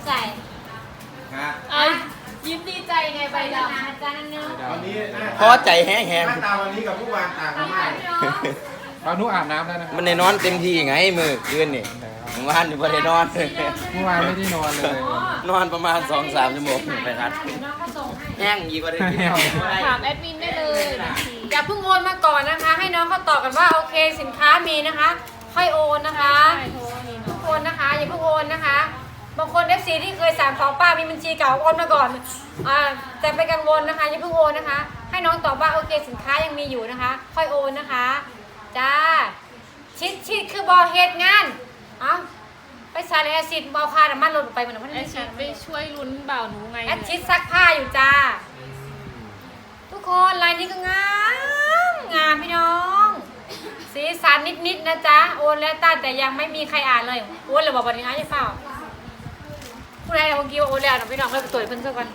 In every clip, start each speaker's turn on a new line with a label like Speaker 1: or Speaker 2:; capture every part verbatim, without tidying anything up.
Speaker 1: ใส่
Speaker 2: ฮะ
Speaker 1: เอายิ้มดีใจไงใบดำอาจารย์เนาะ
Speaker 2: วันนี้หน้า
Speaker 3: พอใจแห้ง
Speaker 2: หน้าตาวันนี้กับผู้วานต่างกันมาก
Speaker 4: บางนุอาบน้ำแล้วนะ
Speaker 3: ๆมันได้นอนเต็มที่ไงมือคืนนี่เมื่อวานนี่บ่ได้นอน
Speaker 4: เมื่อวานไม่ได้นอนเลย
Speaker 3: นอนประมาณ สองถึงสาม ชั่วโมงไปครับ
Speaker 1: น้องก็ส่งให้
Speaker 3: แห้งอีกว่าได้กิน
Speaker 1: ถามแอดมินได้เลยอย่าเพิ่งโอนมาก่อนนะคะ ให้น้องเขาตอบกันว่าโอเคสินค้ามีนะคะ ค่อยโอนนะคะทุกคนนะคะอย่าเพิ่งโอนนะคะบางคนเอฟซีที่เคยสั่งของป้ามีบัญชีเก่าโอนมาก่อนอ่าแต่ไปกังวลนะคะอย่าเพิ่งโอนนะคะ ให้น้องตอบว่าโอเคสินค้ายังมีอยู่นะคะ ค่อยโอนนะคะจ้าชิดชิดคือบอเฮดงานเอ้าไปซาเลสิตบอคาน้ำมันลดไปเหมือนมัน
Speaker 5: แอดชิดไปช่วยลุ้นบ่าวหนูไง
Speaker 1: แอดชิดซักผ้าอยู่จ้าทุกคนลายนี้ก็งามงามพี่น้องสีสันนิดๆนะจ๊ะโอนแล้วต้าแต่ยังไม่มีใครอ่านเลยโอนเลยบอกวันนี้อ่ะอย่าเฝ้าผู้ใดเอาเมื่อกี้ว่าโอนแล้วนะพี่น้องเลยไปตรวจเพิ่นซะก่อน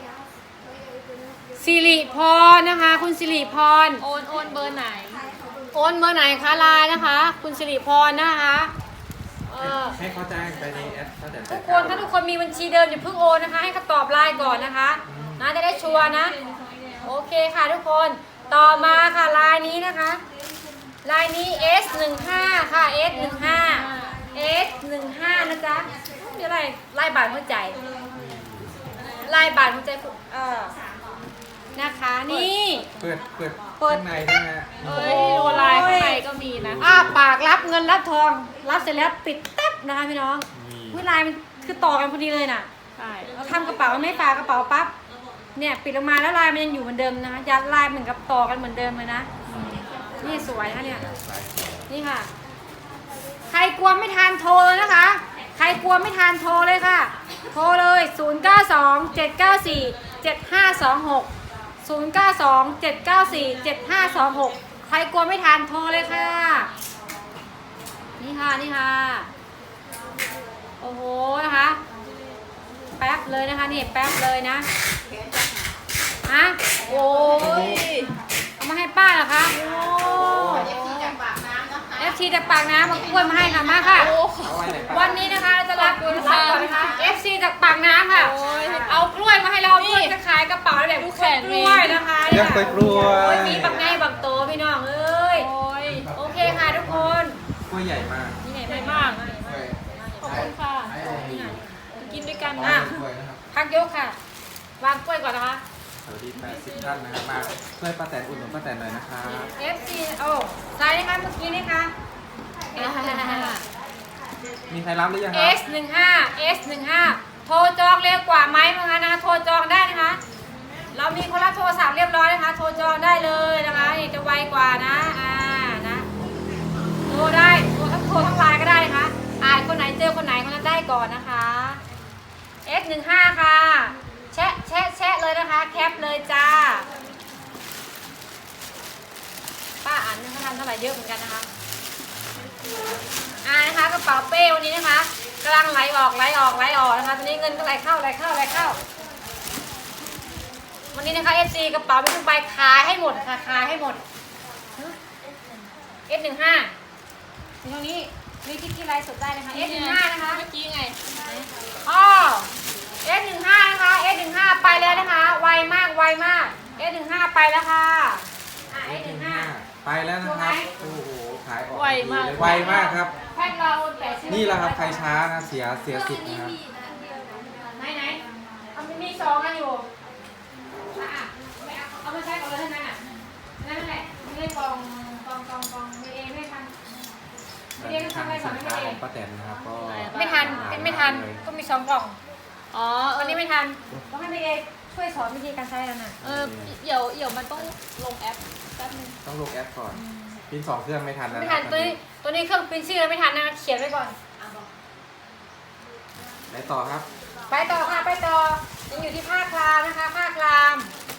Speaker 1: สิริพรนะคะ คุณสิริพร
Speaker 5: โอนโอนเบอร์ไหน
Speaker 1: โอนเบอร์ไหนคะไลน์นะคะ คุณสิริพรนะคะเออ
Speaker 4: ให้เขาแจ้งไปในแอปตั้งแต่
Speaker 1: ทุกคนถ้าทุกคนมีบัญชีเดิมอย่าเพิ่งโอนนะคะ ให้เขาตอบไลน์ก่อนนะคะนะจะได้ชัวร์นะโอเคค่ะทุกคนต่อมาค่ะไลน์นี้นะคะไลน์นี้ เอส หนึ่งห้า ค่ะ เอส หนึ่งห้า เอส หนึ่งห้า นะจ๊ะมีอะไรไล่บาทหัวใจไล่บาทหัวใจเออนะคะนี่
Speaker 4: เปิดเปิด
Speaker 1: เปิด
Speaker 4: ข้างในใช่ไหม
Speaker 5: เอ้ยดูลายข้างในก็มีนะ
Speaker 1: อ้าปากรับเงินรับทองรับเสร็จแล้วปิดแต๊บนะคะพี่น้องวิลายมันคือต่อกันพอดีเลยน่ะ
Speaker 5: ใช่
Speaker 1: เราทำกระเป๋าไม่ปากกระเป๋าปั๊บเนี่ยปิดออกมาแล้วลายมันยังอยู่เหมือนเดิมนะคะยัดลายเหมือนกับต่อกันเหมือนเดิมเลยนะนี่สวยนะเนี่ยนี่ค่ะ ใครกลัวไม่ทานโทรเลยนะคะ ใครกลัวไม่ทานโทรเลยค่ะ โทรเลย ศูนย์ เก้า สอง เจ็ด เก้า สี่ เจ็ด ห้า สอง หก ศูนย์ เก้า สอง เจ็ด เก้า สี่ เจ็ด ห้า สอง หก ใครกลัวไม่ทานโทรเลยค่ะ นี่ค่ะนี่ค่ะโอ้โหนะคะแป๊บเลยนะคะนี่แป๊บเลยนะฮะโอ้ยเอามาให้ป้าเหรอคะโอ้เอฟซีจากปากน้ำมากล้วยมาให้ค่ะมาค่ะ
Speaker 4: เอาไว้ไหนปะ
Speaker 1: วันนี้นะคะเราจะรับรับก่อนนะคะ เอฟซี จากปากน้ำค่ะเอากล้วยมาให้เราเพื่อจะขายกระเป๋าแบบกล้วยนะคะ
Speaker 4: เรียกไปกล้วย
Speaker 1: โอ้ยมีบักไงบักโตพี่น้องเอ้ย
Speaker 5: โอ้ย
Speaker 1: โอเคค่ะทุกคน
Speaker 4: กล้วยใหญ่มาก
Speaker 1: นี่ไหน
Speaker 5: ใหญ่
Speaker 1: มาม
Speaker 5: าก ก ขอบคุณค่ะ กินด้วยกัน
Speaker 1: อ่ะ
Speaker 5: นะ
Speaker 1: พักยกค่ะ วางกล้วยก่อนนะคะ
Speaker 4: สวัสดีแปดสิบท่านนะครับมาช่วยป้าแตนอุ่นหนุนป้าแตนหน่อยนะครับ
Speaker 1: เอฟ ซี โอ้ไลน์นะคะเมื่อกี้นี่ค่ะ
Speaker 4: มีใครรับหรือยังค
Speaker 1: เอ
Speaker 4: รับ
Speaker 1: ส หนึ่งห้า เอส หนึ่งห้า โทรจองเร็วกว่าไหมมั้งคะนะคะโทรจองได้นะคะ เรามีคนรับโทรศัพท์เรียบร้อยนะคะ โทรจองได้เลยนะคะนี่จะไวกว่านะอ่านะโทรได้โทรทั้งโทรทั้งไลน์ก็ได้นะคะอ่านคนไหนเจอคนไหนคนนั้นได้ก่อนนะคะ เอส หนึ่งห้า ค่ะแชะแชะแชะเลยนะคะแคปเลยจ้าป้าอ่านนึงเขาทำเท่าไหร่เยอะเหมือนกันนะคะอ่านะคะกระเป๋าเป้วันนี้นะคะกำลังไหลออกไหลออกไหลออกนะคะตอนนี้เงินก็ไหลเข้าไหลเข้าไหลเข้าวันนี้นะคะเอสซีกระเป๋าไม่ต้องไปขายให้หมดค่ะขายให้หมดเอสหนึ่งห้าตรงนี้มีคลิปที่ไลฟ์สดได้นะคะเอสหนึ่งห้านะคะ
Speaker 5: เมื่อกี้ไง
Speaker 1: อ๋อ เอส หนึ่งห้า นะคะ เอส หนึ่งห้า ไปแล้วนะคะ ไวมาก ไวมาก เอส หนึ่งห้า ไปแล้วค่ะ อ่ะ เอส หนึ่งห้า
Speaker 4: ไปแล้วนะครับ โอ้โห ขายออก
Speaker 5: ไวมาก
Speaker 4: ไวมากครับ
Speaker 1: แพ็คเราแปดสิบ
Speaker 4: นี่แหละครับใครช้านะเสียเสียสิทธิ์นะครับ
Speaker 1: ไหนไหนเอามันมีสองอันอยู่อ่ะอ่ะไม่เอาเอามาใช้ก่อนเลยเท่านั้นอ่ะนั่นแหละไม่ได้กองกองกองกองไม่เองไม่ทันไม่เองก็ทำอะไรสอนไม่
Speaker 4: สินค้า
Speaker 1: เอ
Speaker 4: ของ งป้าแตนนะครับก็
Speaker 1: ไม่ทันเป็นไม่ทัน ก็มีสองกล่อง
Speaker 5: อ๋อเอ
Speaker 1: วัน
Speaker 5: อ
Speaker 1: นี้ไม่ทันต้องให้ไม่เองช่วยสอนวิธีการใช้แล้วน่ะ
Speaker 5: เออเดี๋ยวเดี๋ยวมันต้องลงแอปแป๊บนึง
Speaker 4: ต้องลงแอปก่อนพินสองเครื่องไม่ทันแล้ว
Speaker 1: ไม่
Speaker 4: นะค
Speaker 1: ทั
Speaker 4: รั
Speaker 1: น
Speaker 4: บ
Speaker 1: ตัวนี้ตัวนี้เครื่องปริ้นชื่อแล้วไม่ทันนะเขียนไว้ก่อน
Speaker 4: ไหนต่อครับ
Speaker 1: ไปต่อค่ะไปต่อยังอยู่ที่ผ้าคลามนะคะผ้าคลาม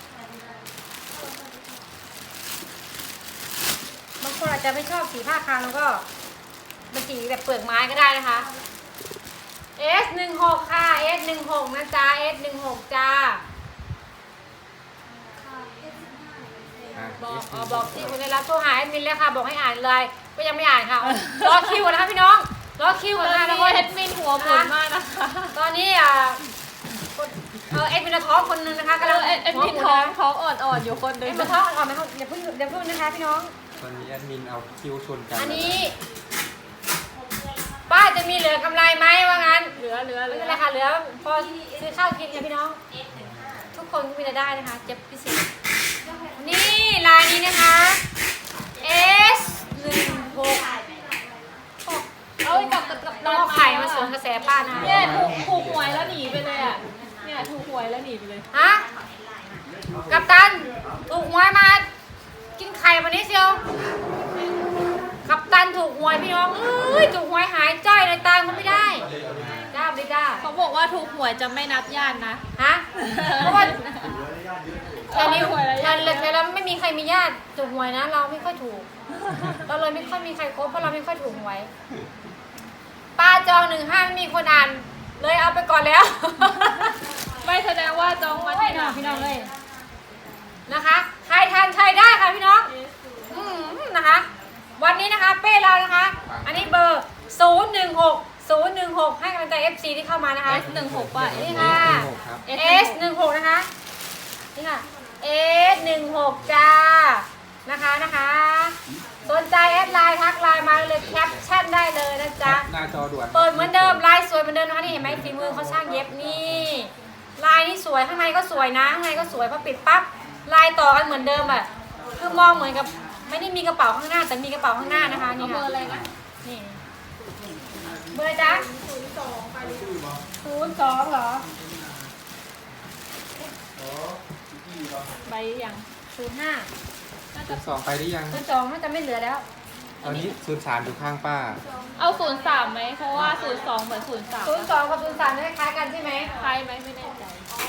Speaker 1: บางคนอาจจะไม่ชอบสีผ้าคลามแล้วก็เป็นสีแบบเปลือกไม้ก็ได้นะคะ เอส หนึ่งหก ค่ะ เอส หนึ่งหก นะจ๊ะ เอส หนึ่งหก จ้า
Speaker 4: อ่ะ
Speaker 1: บอกอ๋อบอกที่คุณได้รับโทรหาแอดมินแล้วค่ะบอกให้อ่านเลยก็ยังไม่อ่านค่ะรอคิวก่อนนะคะพี่น้องรอคิว
Speaker 5: ต
Speaker 1: ก่
Speaker 5: อ
Speaker 1: อน
Speaker 5: น
Speaker 1: นะคะทุก
Speaker 5: นี้
Speaker 1: คน
Speaker 5: แอดมินหัวหมุนมากนะคะ
Speaker 1: ตอนนี้อ่าเอ็ดมินท้องคนนึงนะคะกำลัง
Speaker 5: เอ็ดเอ็ดมินท้องท้องอ่อนๆอยู่คนหนึ
Speaker 1: เอ็
Speaker 5: ง
Speaker 1: ดมินท้องอ่อนๆนะคะอย่าเพิ่งอย่าเพิ่งนะคะพี่น้อง
Speaker 4: ตอนนี้แอดมินเอาคิวชนกัน
Speaker 1: อันนี้ป้าจะมีเหลือกำไรไหมว่างั้น
Speaker 5: เหลือเหลือเห
Speaker 1: ไม่
Speaker 5: ลื
Speaker 1: เป็น
Speaker 5: อ
Speaker 1: ไรค่ะเหลือพอซื้อข้าวกินกันพี่น้อง ทุกคนก็มีรายได้นะคะเจ็บพิเศษนี่ลายนี้นะคะ S หนึ่งหก
Speaker 5: เอาไปกับกับกับ
Speaker 1: น้องไข่มาสวนกระแสป้านะ
Speaker 5: เนี่ยถูกถูกหวยแล้วหนีไปเลยอ่ะเนี่ยถูกหวยแล้วหนีไปเลย
Speaker 1: ฮะกัปตันถูกหวยมากินไข่วันนี้เชียวกัปตันถูกหวยพี่น้องเอ้ยถูกหวยหายจ้อยเลยตามเขาไม่ได้จ้าไม่ได้
Speaker 5: เขาบอกว่าถูกหวยจะไม่นับญาตินะ
Speaker 1: ฮะเพราะว่าแถวนี้
Speaker 5: หวยแล้ว
Speaker 1: แถวแถวเราไม่มีใครมีญาติถูกหวยนะ เราไม่ค่อยถูก เราเลยไม่ค่อยมีใครคบเพราะเราไม่ค่อยถูกหวยป้าจองหนึ่งห้าไม่มีคนอ่าน เลยเอาไปก่อนแล้ว
Speaker 5: ไม่แสดงว่าจองมา
Speaker 1: ไม่
Speaker 5: ที่
Speaker 1: นะ
Speaker 5: ไหน
Speaker 1: พี่น้องเลยนะคะใครทานใช้ได้ค่ะพี่น้องอืมนะคะ วันนี้นะคะเป้เรานะคะ อันนี้เบอร์ศูนย์หนึ่งหกศูนย์หนึ่งหกให้กำลังใจ เอฟ ซี ที่เข้ามานะคะ
Speaker 5: เอสหนึ่งหกป่ะ
Speaker 1: นี่ค่ะ
Speaker 4: ครับ
Speaker 1: S หนึ่งหกนะคะนี่ค่ะ S หนึ่งหกจ้านะคะนะคะสนใจแอดไลน์ทักไลน์มาเลยแคปชั่นได้เลยนะจ๊ะ
Speaker 4: หน้าจอด่วน
Speaker 1: เปิดเหมือนเดิมลายสวยเหมือนเดิมนะคะนี่เห็นไหมฝีมือเขาช่างเย็บนี่ลายนี่สวยข้างในก็สวยนะข้างในก็สวยพอปิดปั๊บลายต่อกันเหมือนเดิมอ่ะคือมองเหมือนกับไม่ได้มีกระเป๋าข้างหน้าแต่มีกระเป๋าข้างหน้านะคะ
Speaker 5: เอา
Speaker 1: นี่
Speaker 5: เบอ
Speaker 1: ค่ะ
Speaker 5: ร์อะไรนะ
Speaker 1: นี่เบอร์อะไรจ๊ะศูนย์สองเหรอ
Speaker 5: ใบยัง
Speaker 1: ศูนย์ห้า
Speaker 5: น่า
Speaker 4: ศู
Speaker 5: จะ
Speaker 4: นย์สองไปหรือยัง
Speaker 1: ศูนย์สองน่าจะไม่เหลือแล้ว
Speaker 4: ตอนนี้ศูนย์สามอยู่ข้างป้า
Speaker 5: เอาศูนย์สามไหมเพราะว่าศูนย์สองเหมือนศูนย์สาม
Speaker 1: ศูนย์สองกับศูนย์สามคล้ายกันใช่ไหม
Speaker 5: ใช่ไหมไม่แน่ใจ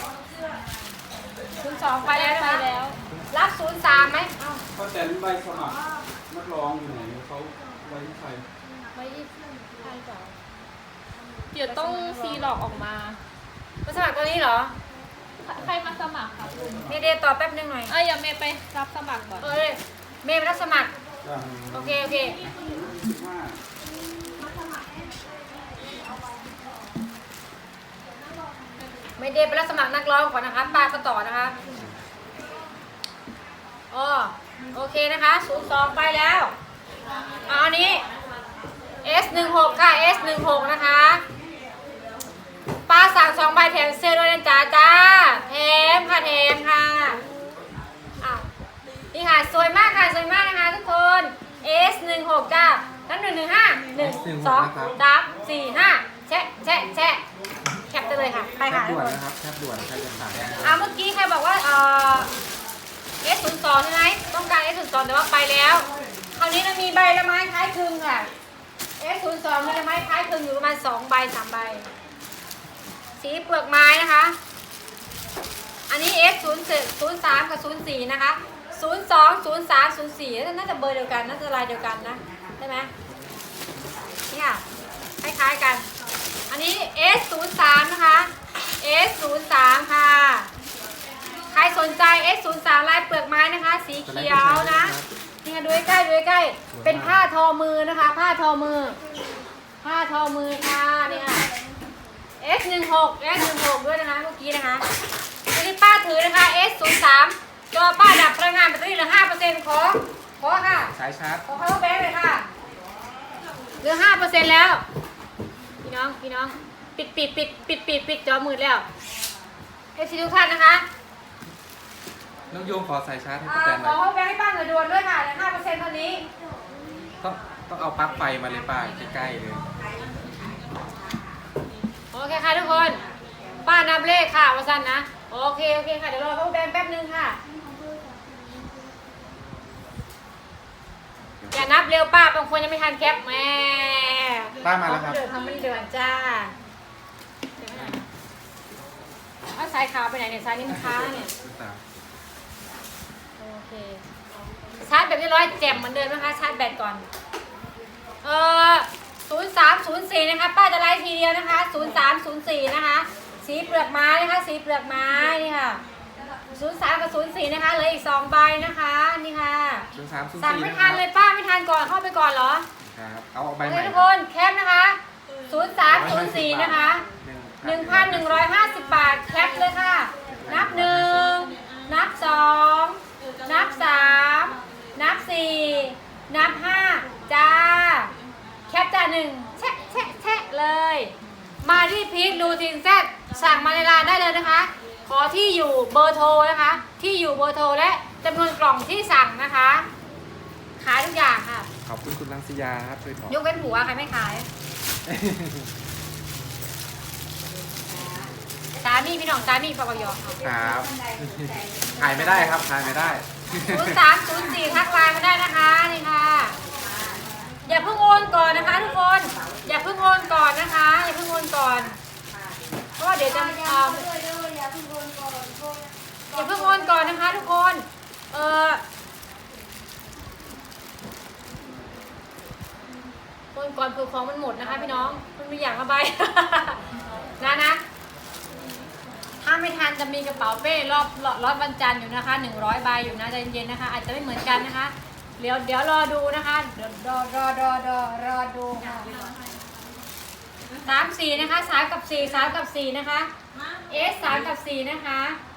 Speaker 1: ศูนย์สองไปแล้วนะ
Speaker 5: ไป
Speaker 1: คะ
Speaker 5: แล้ว
Speaker 1: รับศูนย์สามไหมเอ้า
Speaker 6: เขาแต่ใบสมัครนักร้องอยู่ไหนเขาไว้ที่ใคร
Speaker 1: ไว้ที่ใครก่อน
Speaker 5: เดี๋ยวต้องซีหลอกออกมา
Speaker 1: มาสมัครตัวนี้เหรอ
Speaker 5: ใครมาสมัครครับลุง
Speaker 1: เมย์เดย์ตอบแป๊บนึงหน่อย
Speaker 5: เอ้ยอย่าเมย์ไปรับสมัครก่อน
Speaker 1: เอ้ยเมย์ไปรับสมัคร
Speaker 6: อ่า
Speaker 1: โอเค โอเค
Speaker 6: สิบห้า
Speaker 1: เมย์เดย์ไปรับสมัครนักร้องก่อนนะคะปาก็ต่อนะคะอ๋อโอเคนะคะศูนย์สองไปแล้วเอาอันนี้ S หนึ่งหกค่ะ S หนึ่งหกนะคะป้าสั่งสองใบแถมเสื้อด้วยนะจ๊ะจ้าแถมค่ะแถมค่ะอ้าวนี่ค่ะสวยมากค่ะสวยมากนะคะทุกคน S หนึ่งหกจ้าน้ำหนึ่งหนึ่งห้าหนึ่งสองสามสี่ห้าแชะแชะแชะแคปไปเลยค่ะไป
Speaker 4: แค
Speaker 1: ค่ะ
Speaker 4: ป
Speaker 1: ทุ
Speaker 4: ด่
Speaker 1: ก
Speaker 4: วน
Speaker 1: คน
Speaker 4: นะครับแคปด่วนใครจะสั่งนะครับ
Speaker 1: อ่าเมื่อกี้ใครบอกว่าเอ่อ S ศูนย์สองใช่ไหมต้องการ S ศูนย์สองแต่ว่าไปแล้วคราวนี้เรามีใบละไม้คล้ายคลึงค่ะ S ศูนย์สองมีละไม้คล้ายคลึงอยู่ประมาณสองใบสามใบสีเปลือกไม้นะคะ อันนี้ S ศูนย์ศูนย์สามกับศูนย์สี่นะคะศูนย์สองศูนย์สามศูนย์สี่น่าจะเบอร์เดียวกันน่าจะลายเดียวกันนะใช่ไหมนี่ค่ะคล้ายๆกัน อันนี้ S ศูนย์สามนะคะ S ศูนย์สามค่ะใครสนใจ S ศูนย์สามลายเปลือกไม้นะคะ สีเขียวนะนี่ค่ะดูใกล้ๆดูใกล้ๆเป็นผ้าทอมือนะคะ ผ้าทอมือ ผ้าทอมือค่ะนี่ค่ะ S หนึ่งหก S หนึ่งหกด้วยนะคะเมื่อกี้นะคะอันนี้ป้าถือนะคะ S ศูนย์สามจอป้าดับพลังงานแบตเตอรี่เหลือห้าเปอร์เซ็นต์ขอขอค่ะ
Speaker 4: สายชาร์จ
Speaker 1: ขอ power bank เลยค่ะเหลือห้าเปอร์เซ็นต์แล้วพี่น้องพี่น้องปิดปิดปิดปิดปิดปิดจอมืดแล้วเอฟซีทุกท่านนะคะ
Speaker 4: น้องโยมขอสายชาร์จให้
Speaker 1: อ่า
Speaker 4: ป้าแตนห
Speaker 1: ข
Speaker 4: น่
Speaker 1: อ
Speaker 4: อย
Speaker 1: power bank ให้ป้าหน่อยด่วนด้วยค่ะเหลือห้าเปอร์เซ็นต์เท่านี้
Speaker 4: ต้องต้องเอาปลั๊กไฟมาเลยป้าใกล้ๆเลย
Speaker 1: โอเคค่ะทุกคน ป้านับเลขค่ะว่าสั้นนะโอเคโอเคค่ะเดี๋ยวรอ power bank แป๊บนึงค่ะอย่านับเร็วป้าบางคนยังไม่ทันแคปแม่
Speaker 4: ป้ามาแล้วครับ
Speaker 1: เดือดทำไม่เดือดจ้าเอาสายขาวไปไหนเนี่ยสายนี้มันค้างเนี่ย
Speaker 4: ศูนย์สาม
Speaker 1: โอเคชาร์จแบตเรียบร้อยแจ่มเหมือนเดิมนะคะชาร์จแบตก่อนเออศูนย์สามศูนย์สี่นะคะป้าจะไลฟ์ทีเดียวนะคะศูนย์สามศูนย์สี่นะคะสีเปลือกไม้นะคะสีเปลือกไม้นี่ค่ะศูนย์สามกับศูนย์สี่นะคะเหลืออีกสองใบนะคะนี่ค่ะ
Speaker 4: ศูนย์สามศูนย์
Speaker 1: สั่ง
Speaker 4: สี่
Speaker 1: ไม่
Speaker 4: นะค
Speaker 1: ทั
Speaker 4: รั
Speaker 1: น
Speaker 4: บ
Speaker 1: เลยป้าไม่ทันก่อนเข้าไปก่อนเหรอ
Speaker 4: ครับเอาออกใบ
Speaker 1: โอ
Speaker 4: ให
Speaker 1: เค
Speaker 4: ม่
Speaker 1: ทุกคนแคปนะคะศูนย์สามศูนย์สี่นะคะ ห
Speaker 4: หนึ่
Speaker 1: นึ่
Speaker 4: ง
Speaker 1: งพันหนึ่งร้อยห้าสิบบาทแคปเลยค่ะองนับสามนับสี่นับห้าจ้าแคปจ้าหนึ่งแชะแชะแชะเลย มาที่พีครูทีนแซดสั่งมาในไลน์ได้เลยนะคะ ขอที่อยู่เบอร์โทรนะคะ ที่อยู่เบอร์โทรและจำนวนกล่องที่สั่งนะคะ ขายทุกอย่างค่ะ
Speaker 4: ขอบคุณคุณลังสิยาครับช่วยบอก
Speaker 1: ยกเว้นหัวใครไม่ขายสามีพี่น้องสามีปกยอ
Speaker 4: ครับ ขายไม่ได้ครับ ขายไม่ได้
Speaker 1: ศูนย์สามศูนย์สี่ทักไลน์มาได้นะคะนี่ค่ะ อย่าเพิ่งโอนก่อนนะคะทุกคน อย่าเพิ่งโอนก่อนนะคะ อย่าเพิ่งโอนก่อน เพราะว่าเดี๋ยวจะเอ่ออย่าเพิ่งโอนก่อนนะคะทุกคน เออโอนก่อนคือของมันหมดนะคะพี่น้อง มันมีอย่างละใบ นะนะ ถ้าไม่ทันจะมีกระเป๋าเป้รอบรอบวันจันทร์อยู่นะคะหนึ่งร้อยใบอยู่นะใจเย็นๆนะคะ อาจจะไม่เหมือนกันนะคะ เดี๋ยวเดี๋ยวรอดูนะคะเดี๋ยวรอรอรอรอรอดูค่ะสามสี่นะคะสามกับสี่สามกับสี่นะคะเอสสามกับสี่นะคะ